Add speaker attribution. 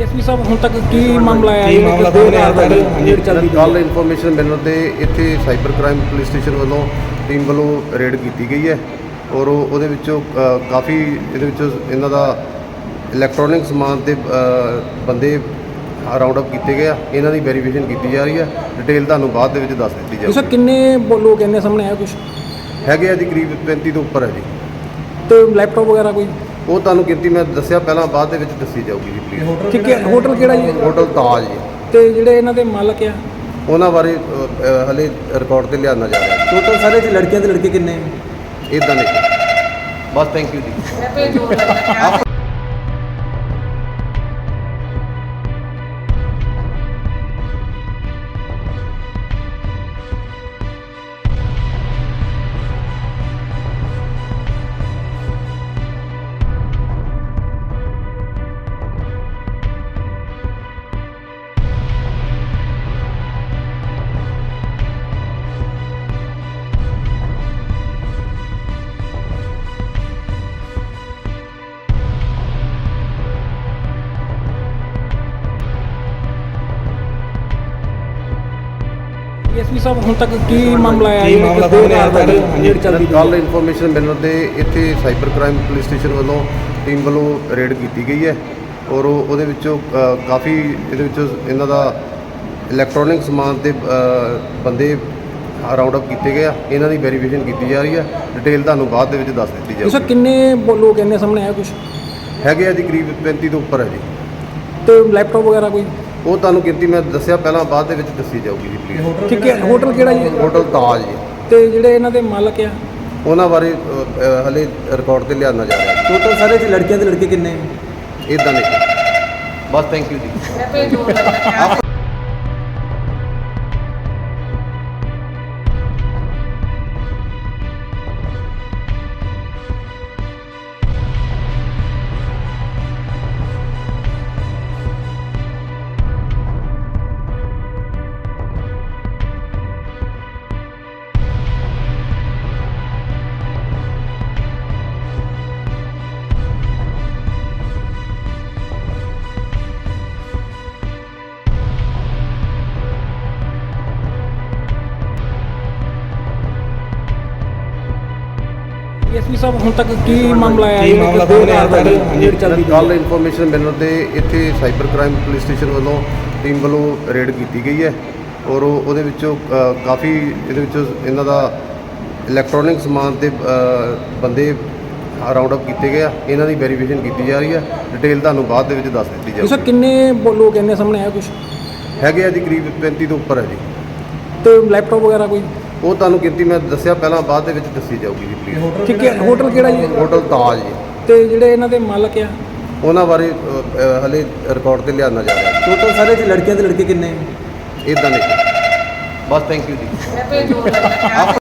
Speaker 1: DSP ਸਾਹਿਬ ਹੁਣ ਤੱਕ ਕੀ ਮਾਮਲਾ ਆਇਆ
Speaker 2: ਕੀ ਮਾਮਲਾ ਸਾਹਮਣੇ ਆਇਆ ਤੁਹਾਡੇ?
Speaker 1: ਰੇਡ ਚੱਲਦੀ
Speaker 3: ਕੱਲ ਇਨਫੋਰਮੇਸ਼ਨ ਮਿਲਣ ਤੇ ਇੱਥੇ ਸਾਈਬਰ ਕ੍ਰਾਈਮ ਪੁਲਿਸ ਸਟੇਸ਼ਨ ਵੱਲੋਂ ਟੀਮ ਵੱਲੋਂ ਰੇਡ ਕੀਤੀ ਗਈ ਹੈ ਔਰ ਉਹਦੇ ਵਿੱਚੋਂ ਕਾਫੀ ਇਹਦੇ ਵਿੱਚ ਇਹਨਾਂ ਦਾ ਇਲੈਕਟ੍ਰੋਨਿਕ ਸਮਾਨ ਤੇ ਬੰਦੇ ਰਾਉਂਡ ਅਪ ਕੀਤੇ ਗਏ ਆ। ਇਹਨਾਂ ਦੀ ਵੈਰੀਫਿਕੇਸ਼ਨ ਕੀਤੀ ਜਾ ਰਹੀ ਹੈ। ਡਿਟੇਲ ਤੁਹਾਨੂੰ ਬਾਅਦ ਦੇ ਵਿੱਚ ਦੱਸ ਦਿੱਤੀ
Speaker 1: ਸਰ
Speaker 3: ਜਾਊਗੀ।
Speaker 1: ਕਿੰਨੇ ਲੋਕ ਇੰਨੇ ਸਾਹਮਣੇ ਆਇਆ ਕੁਝ
Speaker 3: ਹੈਗੇ ਆ ਜੀ ਕਰੀਬ 35 ਤੋਂ ਉੱਪਰ ਹੈ ਜੀ।
Speaker 1: ਤੇ ਲੈਪਟਾਪ ਵਗੈਰਾ ਕੋਈ
Speaker 3: ਉਹ ਤੁਹਾਨੂੰ ਗਿਣਤੀ ਮੈਂ ਦੱਸਿਆ ਪਹਿਲਾਂ, ਬਾਅਦ ਦੇ ਵਿੱਚ ਦੱਸੀ ਜਾਊਗੀ ਜੀ ਪਲੀਜ਼।
Speaker 1: ਠੀਕ ਹੈ। ਹੋਟਲ ਕਿਹੜਾ ਜੀ?
Speaker 3: ਹੋਟਲ ਤਾਜ ਜੀ।
Speaker 1: ਤੇ ਜਿਹੜੇ ਇਹਨਾਂ ਦੇ ਮਾਲਕ ਆ
Speaker 3: ਉਹਨਾਂ ਬਾਰੇ ਹਲੇ ਰਿਕਾਰਡ ਤੇ ਲਿਆਉਣਾ ਜਾ ਰਿਹਾ।
Speaker 2: ਟੋਟਲ ਸਾਰੇ ਚ ਲੜਕੀਆਂ ਤੇ ਲੜਕੇ ਕਿੰਨੇ?
Speaker 3: ਇਦਾਂ ਨਹੀਂ ਬਸ। ਥੈਂਕ ਯੂ ਜੀ।
Speaker 1: ਡੀਐਸਪੀ ਸਾਹਿਬ ਹੁਣ ਤੱਕ ਕੀ ਮਾਮਲਾ ਆਇਆ
Speaker 2: ਕੀ ਮਾਮਲਾ ਸਾਹਮਣੇ ਆਇਆ ਤੁਹਾਡੇ?
Speaker 1: ਰੇਡ ਚੱਲਦੀ
Speaker 3: ਕੱਲ ਇਨਫੋਰਮੇਸ਼ਨ ਮਿਲਣ ਤੇ ਇੱਥੇ ਸਾਈਬਰ ਕ੍ਰਾਈਮ ਪੁਲਿਸ ਸਟੇਸ਼ਨ ਵੱਲੋਂ ਟੀਮ ਵੱਲੋਂ ਰੇਡ ਕੀਤੀ ਗਈ ਹੈ ਔਰ ਉਹਦੇ ਵਿੱਚੋਂ ਕਾਫੀ ਇਹਦੇ ਵਿੱਚ ਇਹਨਾਂ ਦਾ ਇਲੈਕਟ੍ਰੋਨਿਕ ਸਮਾਨ ਤੇ ਬੰਦੇ ਰਾਉਂਡ ਅਪ ਕੀਤੇ ਗਏ ਆ। ਇਹਨਾਂ ਦੀ ਵੈਰੀਫਿਕੇਸ਼ਨ ਕੀਤੀ ਜਾ ਰਹੀ ਹੈ। ਡਿਟੇਲ ਤੁਹਾਨੂੰ ਬਾਅਦ ਦੇ ਵਿੱਚ ਦੱਸ ਦਿੱਤੀ
Speaker 1: ਸਰ
Speaker 3: ਜਾਊਗੀ।
Speaker 1: ਕਿੰਨੇ ਲੋਕ ਇੰਨੇ ਸਾਹਮਣੇ ਆਇਆ ਕੁਝ
Speaker 3: ਹੈਗੇ ਆ ਜੀ ਕਰੀਬ 35 ਤੋਂ ਉੱਪਰ ਹੈ ਜੀ।
Speaker 1: ਤੇ ਲੈਪਟਾਪ ਵਗੈਰਾ ਕੋਈ
Speaker 3: ਉਹ ਤੁਹਾਨੂੰ ਗਿਣਤੀ ਮੈਂ ਦੱਸਿਆ ਪਹਿਲਾਂ, ਬਾਅਦ ਦੇ ਵਿੱਚ ਦੱਸੀ ਜਾਊਗੀ ਜੀ ਪਲੀਜ਼।
Speaker 1: ਠੀਕ ਹੈ। ਹੋਟਲ ਕਿਹੜਾ ਜੀ?
Speaker 3: ਹੋਟਲ ਤਾਜ ਜੀ।
Speaker 1: ਤੇ ਜਿਹੜੇ ਇਹਨਾਂ ਦੇ ਮਾਲਕ ਆ
Speaker 3: ਉਹਨਾਂ ਬਾਰੇ ਹਲੇ ਰਿਕਾਰਡ ਤੇ ਲਿਆਉਣਾ ਜਾ ਰਿਹਾ।
Speaker 2: ਟੋਟਲ ਸਾਰੇ ਚ ਲੜਕੀਆਂ ਤੇ ਲੜਕੇ ਕਿੰਨੇ?
Speaker 3: ਇਦਾਂ ਨਹੀਂ ਬਸ। ਥੈਂਕ ਯੂ ਜੀ।
Speaker 1: ਡੀਐਸਪੀ ਸਾਹਿਬ ਹੁਣ ਤੱਕ ਕੀ ਮਾਮਲਾ ਆਇਆ
Speaker 2: ਕੀ ਮਾਮਲਾ ਸਾਹਮਣੇ ਆਇਆ ਤੁਹਾਡੇ?
Speaker 1: ਰੇਡ ਚੱਲਦੀ
Speaker 3: ਕੱਲ ਇਨਫੋਰਮੇਸ਼ਨ ਮਿਲਣ ਤੇ ਇੱਥੇ ਸਾਈਬਰ ਕ੍ਰਾਈਮ ਪੁਲਿਸ ਸਟੇਸ਼ਨ ਵੱਲੋਂ ਟੀਮ ਵੱਲੋਂ ਰੇਡ ਕੀਤੀ ਗਈ ਹੈ ਔਰ ਉਹਦੇ ਵਿੱਚੋਂ ਕਾਫੀ ਇਹਦੇ ਵਿੱਚ ਇਹਨਾਂ ਦਾ ਇਲੈਕਟ੍ਰੋਨਿਕ ਸਮਾਨ ਤੇ ਬੰਦੇ ਰਾਉਂਡ ਅਪ ਕੀਤੇ ਗਏ ਆ। ਇਹਨਾਂ ਦੀ ਵੈਰੀਫਿਕੇਸ਼ਨ ਕੀਤੀ ਜਾ ਰਹੀ ਹੈ। ਡਿਟੇਲ ਤੁਹਾਨੂੰ ਬਾਅਦ ਦੇ ਵਿੱਚ ਦੱਸ ਦਿੱਤੀ
Speaker 1: ਸਰ
Speaker 3: ਜਾਊਗੀ।
Speaker 1: ਕਿੰਨੇ ਲੋਕ ਇੰਨੇ ਸਾਹਮਣੇ ਆਇਆ ਕੁਝ
Speaker 3: ਹੈਗੇ ਆ ਜੀ ਕਰੀਬ 35 ਤੋਂ ਉੱਪਰ ਹੈ ਜੀ।
Speaker 1: ਤੇ ਲੈਪਟਾਪ ਵਗੈਰਾ ਕੋਈ
Speaker 3: ਉਹ ਤੁਹਾਨੂੰ ਗਿਣਤੀ ਮੈਂ ਦੱਸਿਆ ਪਹਿਲਾਂ, ਬਾਅਦ ਦੇ ਵਿੱਚ ਦੱਸੀ ਜਾਊਗੀ ਜੀ ਪਲੀਜ਼।
Speaker 1: ਠੀਕ ਹੈ। ਹੋਟਲ ਕਿਹੜਾ ਜੀ?
Speaker 3: ਹੋਟਲ ਤਾਜ ਜੀ।
Speaker 1: ਤੇ ਜਿਹੜੇ ਇਹਨਾਂ ਦੇ ਮਾਲਕ ਆ
Speaker 3: ਉਹਨਾਂ ਬਾਰੇ ਹਲੇ ਰਿਕਾਰਡ ਤੇ ਲਿਆਉਣਾ ਜਾ ਰਿਹਾ।
Speaker 2: ਟੋਟਲ ਸਾਰੇ ਚ ਲੜਕੀਆਂ ਤੇ ਲੜਕੇ ਕਿੰਨੇ?
Speaker 3: ਇਦਾਂ ਨਹੀਂ ਬਸ। ਥੈਂਕ ਯੂ ਜੀ।